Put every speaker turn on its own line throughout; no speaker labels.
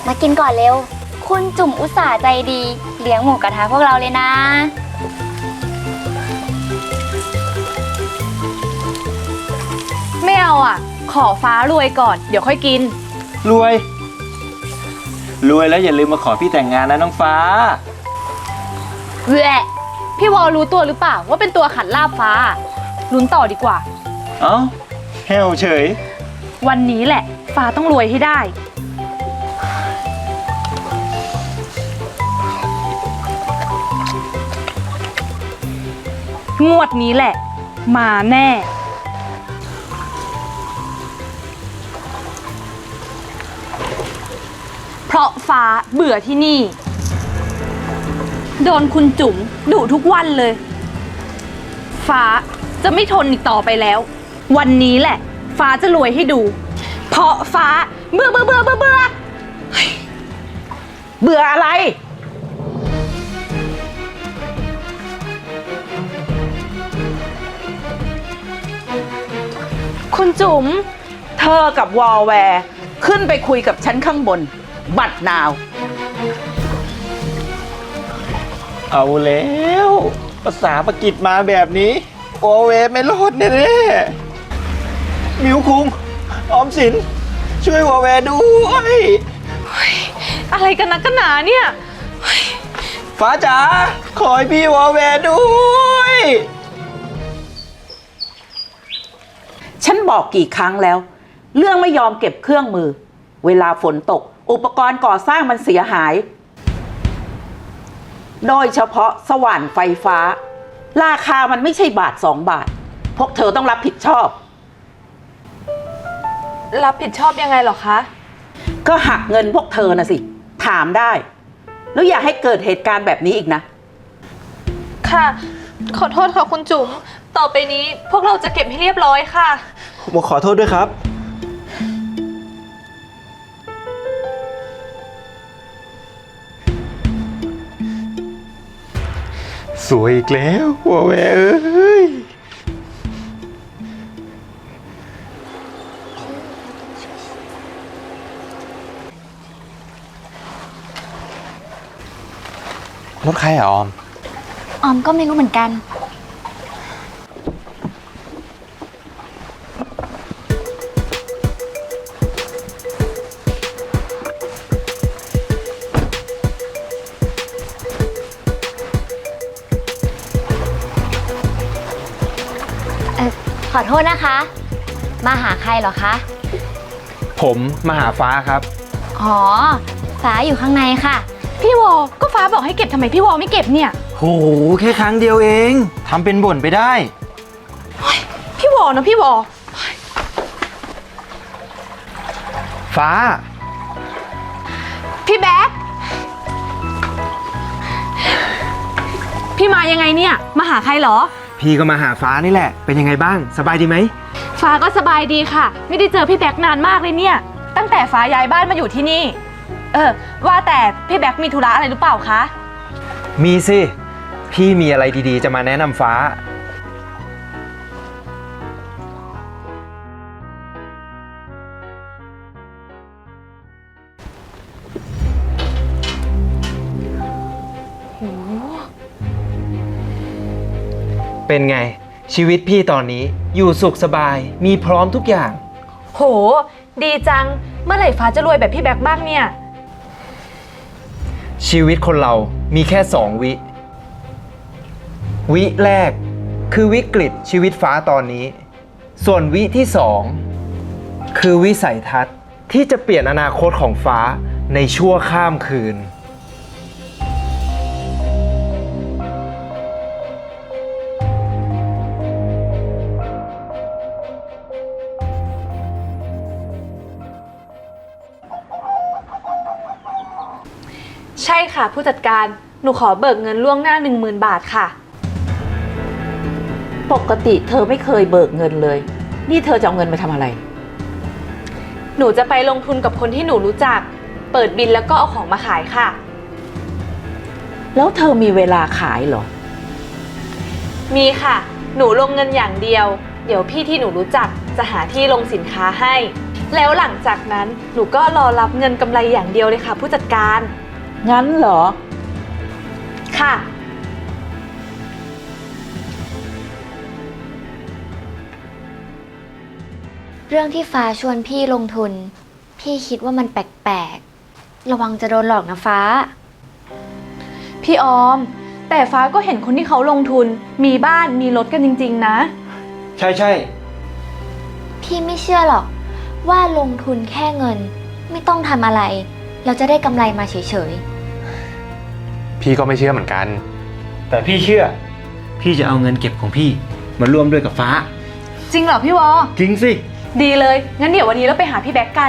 มากินก่อนเร็วคุณจุ๋มอุตส่าห์ใจดีเลี้ยงหมูกระทะพวกเราเลยนะ
ไม่เอาอ่ะขอฟ้ารวยก่อนเดี๋ยวค่อยกิน
รวยแล้วอย่าลืมมาขอพี่แต่งงานนะน้องฟ้า
แหละพี่วอลรู้ตัวหรือเปล่าว่าเป็นตัวขัดลาบฟ้าลุ้นต่อดีกว่า
เอ้าแฮวเฉย
วันนี้แหละฟ้าต้องรวยให้ได้งวดนี้แหละมาแน่เพราะฟ้าเบื่อที่นี่โดนคุณจุ๋มดุทุกวันเลยฟ้าจะไม่ทนอีกต่อไปแล้ววันนี้แหละฟ้าจะรวยให้ดูเพราะฟ้าเบื่อ
อะไร
คุณจุ๋ม
เธอกับวอลแวร์ขึ้นไปคุยกับฉันข้างบนบัดนาว
เอาแล้วภาษาปากีสมาแบบนี้โอเวไม่รอดแน่ๆมิวคุงออมสินช่วยวอแวด้วย
อะไรกันนักกันหนาเนี่ย
ฟ้าจ๋าขอให้พี่วอแวด้วย
ฉันบอกกี่ครั้งแล้วเรื่องไม่ยอมเก็บเครื่องมือเวลาฝนตกอุปกรณ์ก่อสร้างมันเสียหายโดยเฉพาะสว่านไฟฟ้าราคามันไม่ใช่บาท2 บาทพวกเธอต้องรับผิดชอบ
รับผิดชอบยังไงหรอคะ
ก็หักเงินพวกเธอนะสิถามได้แล้วอย่าให้เกิดเหตุการณ์แบบนี้อีกนะ
ค่ะขอโทษค่ะคุณจุ๋มต่อไปนี้พวกเราจะเก็บให้เรียบร้อยค่ะ
ผมขอโทษด้วยครับสวยอีกแล้ววอแวเอ้ยรถใครอะออม
ก็ไม่รู้เหมือนกันขอโทษนะคะมาหาใครเหรอคะ
ผมมาหาฟ้าครับ
อ๋อฟ้าอยู่ข้างในค่ะ
พี่วอก็ฟ้าบอกให้เก็บทำไมพี่วอไม่เก็บเนี่ย
โหแค่ครั้งเดียวเองทำเป็นบ่นไปได้
พี่วอนะพี่วอ
ฟ้า
พี่แบ๊กพี่มายังไงเนี่ยมาหาใครเหรอ
พี่ก็มาหาฟ้านี่แหละเป็นยังไงบ้างสบายดีไหม
ฟ้าก็สบายดีค่ะไม่ได้เจอพี่แบ๊กนานมากเลยเนี่ยตั้งแต่ฟ้าย้ายบ้านมาอยู่ที่นี่ว่าแต่พี่แบ๊กมีธุระอะไรหรือเปล่าคะ
มีสิพี่มีอะไรดีๆจะมาแนะนำฟ้าเป็นไงชีวิตพี่ตอนนี้อยู่สุขสบายมีพร้อมทุกอย่าง
โหดีจังเมื่อไหร่ฟ้าจะรวยแบบพี่แบ๊กบ้างเนี่ย
ชีวิตคนเรามีแค่2 วิแรกคือวิกฤตชีวิตฟ้าตอนนี้ส่วนวิที่2คือวิสัยทัศน์ที่จะเปลี่ยนอนาคตของฟ้าในชั่วข้ามคืน
ใช่ค่ะผู้จัดการหนูขอเบิกเงินล่วงหน้า 10,000 บาทค่ะ
ปกติเธอไม่เคยเบิกเงินเลยนี่เธอจะเอาเงินมาทำอะไร
หนูจะไปลงทุนกับคนที่หนูรู้จักเปิดบินแล้วก็เอาของมาขายค่ะ
แล้วเธอมีเวลาขายเหรอ
มีค่ะหนูลงเงินอย่างเดียวเดี๋ยวพี่ที่หนูรู้จักจะหาที่ลงสินค้าให้แล้วหลังจากนั้นหนูก็รอรับเงินกำไรอย่างเดียวเลยค่ะผู้จัดการ
งั้นเหรอ
ค่ะ
เรื่องที่ฟ้าชวนพี่ลงทุน พี่คิดว่ามันแปลกๆ ระวังจะโดนหลอกนะฟ้า
พี่ออม แต่ฟ้าก็เห็นคนที่เขาลงทุน มีบ้านมีรถกันจริงๆนะ
ใช่
พี่ไม่เชื่อหรอกว่าลงทุนแค่เงิน ไม่ต้องทำอะไร เราจะได้กำไรมาเฉย
พี่ก็ไม่เชื่อเหมือนกัน
แต่พี่เชื่อ พี่จะเอาเงินเก็บของพี่มาร่วมด้วยกับฟ้า
จริงเหรอพี่วอ
จริงสิ
ดีเลย งั้นเดี๋ยววันนี้เราไปหาพี่แบ็กกัน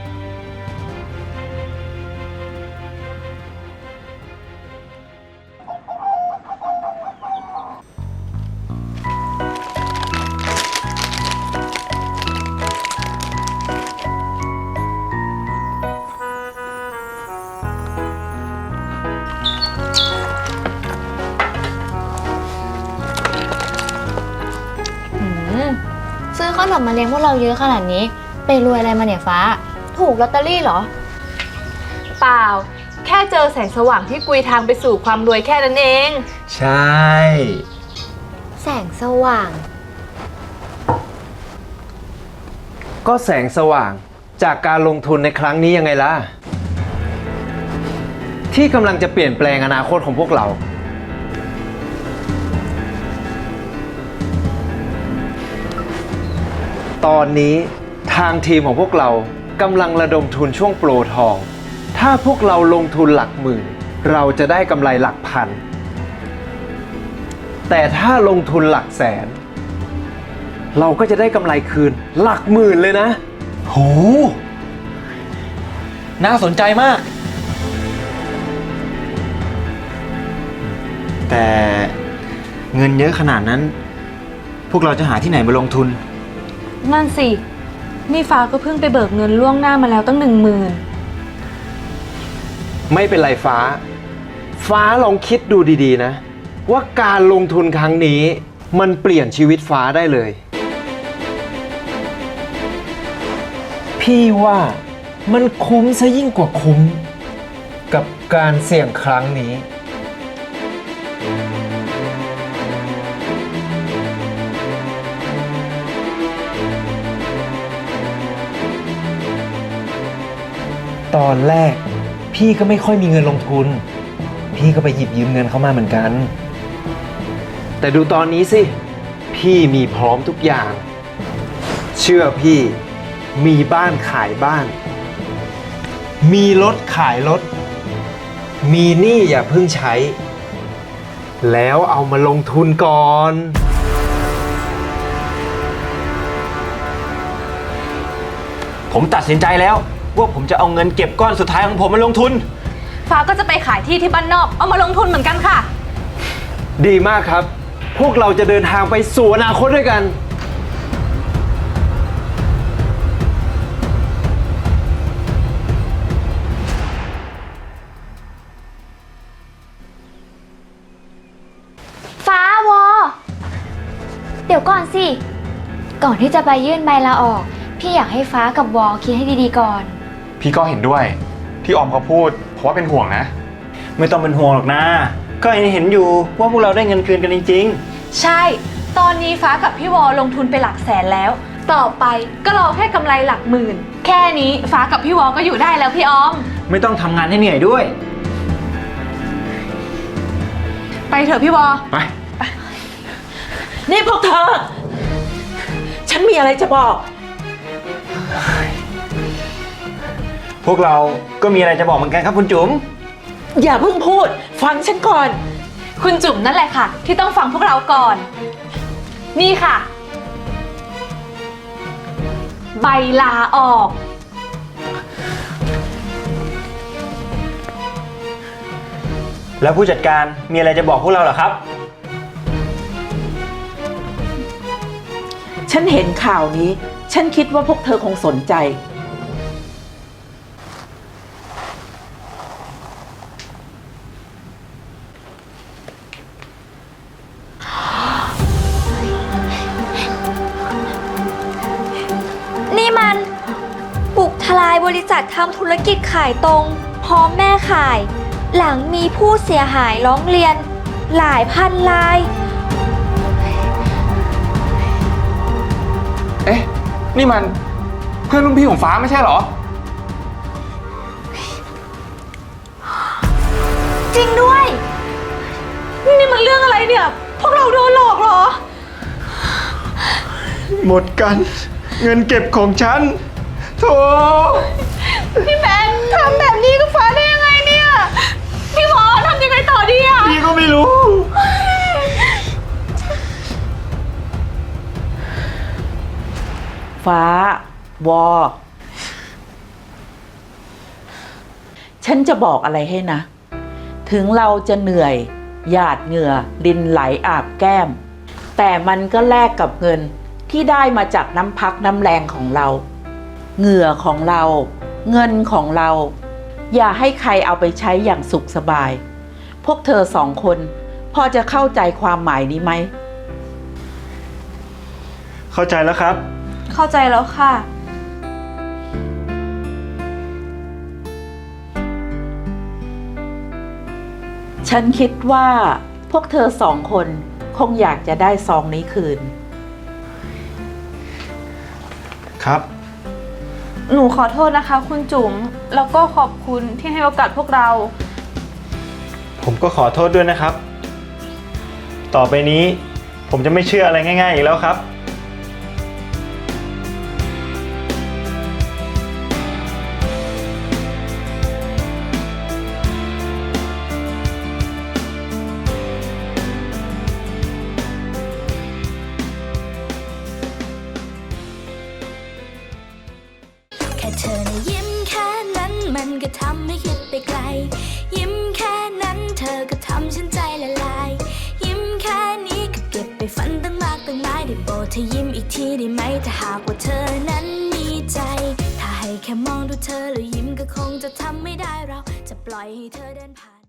ๆ ซื้อขนมมาเลี้ยงพวกเราเยอะขนาดนี้ ไปรวยอะไรมาเนี่ยฟ้า ถูกลอตเตอรี่เหรอ
เปล่า แค่เจอแสงสว่างที่กุยทางไปสู่ความรวยแค่นั้นเอง
ใช่
แสงสว่าง
ก็แสงสว่างจากการลงทุนในครั้งนี้ยังไงล่ะ ที่กำลังจะเปลี่ยนแปลงอนาคตของพวกเรา ตอนนี้ทางทีมของพวกเรากำลังระดมทุนช่วงโปรทอง ถ้าพวกเราลงทุนหลักหมื่น เราจะได้กำไรหลักพัน แต่ถ้าลงทุนหลักแสน เราก็จะได้กำไรคืนหลักหมื่นเลยนะ
โห น่าสนใจมาก แต่เงินเยอะขนาดนั้น พวกเราจะหาที่ไหนมาลงทุน
นั่นสิ นี่ฟ้าก็เพิ่งไปเบิกเงินล่วงหน้ามาแล้วตั้ง10,000
ไม่เป็นไรฟ้า ฟ้าลองคิดดูดีๆนะ ว่าการลงทุนครั้งนี้มันเปลี่ยนชีวิตฟ้าได้เลย พี่ว่ามันคุ้มซะยิ่งกว่าคุ้ม กับการเสี่ยงครั้งนี้ ตอนแรกพี่ก็ไม่ค่อยมีเงินลงทุน พี่ก็ไปหยิบยืมเงินเขามาเหมือนกัน แต่ดูตอนนี้สิ พี่มีพร้อมทุกอย่าง เชื่อพี่มีบ้านขายบ้าน มีรถขายรถ มีหนี้อย่าเพิ่งใช้ แล้วเอามาลงทุนก่อน
ผมตัดสินใจแล้วว่าผมจะเอาเงินเก็บก้อนสุดท้ายของผมมาลงทุน
ฟ้าก็จะไปขายที่ที่บ้านนอก เอามาลงทุนเหมือนกันค่ะ
ดีมากครับ พวกเราจะเดินทางไปสู่อนาคตด้วยกัน
ฟ้าวอ เดี๋ยวก่อนสิ ก่อนที่จะไปยื่นใบลาออก พี่อยากให้ฟ้ากับวอคิดให้ดีๆก่อน
พี่ก็เห็นด้วย ที่ออมเขาพูด เพราะว่าเป็นห่วงนะ
ไม่ต้องเป็นห่วงหรอกนะ ก็เห็นอยู่ว่าพวกเราได้เงินคืนกันจริง
ใช่ ตอนนี้ฟ้ากับพี่วอลงทุนไปหลักแสนแล้ว ต่อไปก็รอแค่กำไรหลักหมื่น แค่นี้ฟ้ากับพี่วอลก็อยู่ได้แล้วพี่ออม
ๆ ไม่ต้องทำงานให้เหนื่อยด้วย
ไปเถอะพี่วอล
ไป
นี่พวกเธอ ฉันมีอะไรจะบอก
พวกเราก็มีอะไรจะบอกเหมือนกันครับคุณจุ๋ม
อย่าเพิ่งพูด ฟังฉันก่อน
คุณจุ๋มนั่นแหละค่ะ ที่ต้องฟังพวกเราก่อน นี่ค่ะ ใบลาออก
แล้วผู้จัดการมีอะไรจะบอกพวกเราเหรอครับ
ฉันเห็นข่าวนี้ ฉันคิดว่าพวกเธอคงสนใจ
นี่มันบริษัททำธุรกิจขายตรงพร้อมแม่ขาย หลังมีผู้เสียหายร้องเรียน หลายพันราย
เอ๊ะ นี่มันเพื่อนรุ่นพี่ของฟ้าไม่ใช่เหรอ
จริงด้วย
นี่มันเรื่องอะไรเนี่ย พวกเราโดนหลอกเหรอ
หมดกัน เงินเก็บของฉันโธ่
พี่แมนทำแบบนี้กับฟ้าได้ยังไงเนี่ย พี่หมอทำยังไงต่อดีอะ
พี่ก็ไม่รู้
ฟ้าวอ ฉันจะบอกอะไรให้นะ ถึงเราจะเหนื่อย หยาดเหงื่อดินไหลอาบแก้ม แต่มันก็แลกกับเงินที่ได้มาจากน้ำพักน้ำแรงของเรา เหงื่อของเรา เงินของเรา อย่าให้ใครเอาไปใช้อย่างสุขสบาย พวกเธอสองคนพอจะเข้าใจความหมายนี้ไหม
เข้าใจแล้วครับ
เข้าใจแล้วค่ะ
ฉันคิดว่าพวกเธอสองคนคงอยากจะได้ซองนี้คืน
ครับ
หนูขอโทษนะคะ คุณจุ๋ม แล้วก็ขอบคุณที่ให้โอกาสพวกเรา
ผมก็ขอโทษด้วยนะครับ ต่อไปนี้ผมจะไม่เชื่ออะไรง่ายๆอีกแล้วครับ
แค่เธอนะยิ้มแค่นั้นมันก็ทำให้คิดไปไกล ยิ้มแค่นั้นเธอก็ทำฉันใจละลาย ยิ้มแค่นี้ก็เก็บไปฝันตั้งมากตั้งหลายได้โปรดเธอยิ้มอีกทีได้ไหมถ้าหากว่าเธอนั้นมีใจ ถ้าให้แค่มองดูเธอแล้วยิ้มก็คงจะทำไม่ได้เราจะปล่อยให้เธอเดินผ่าน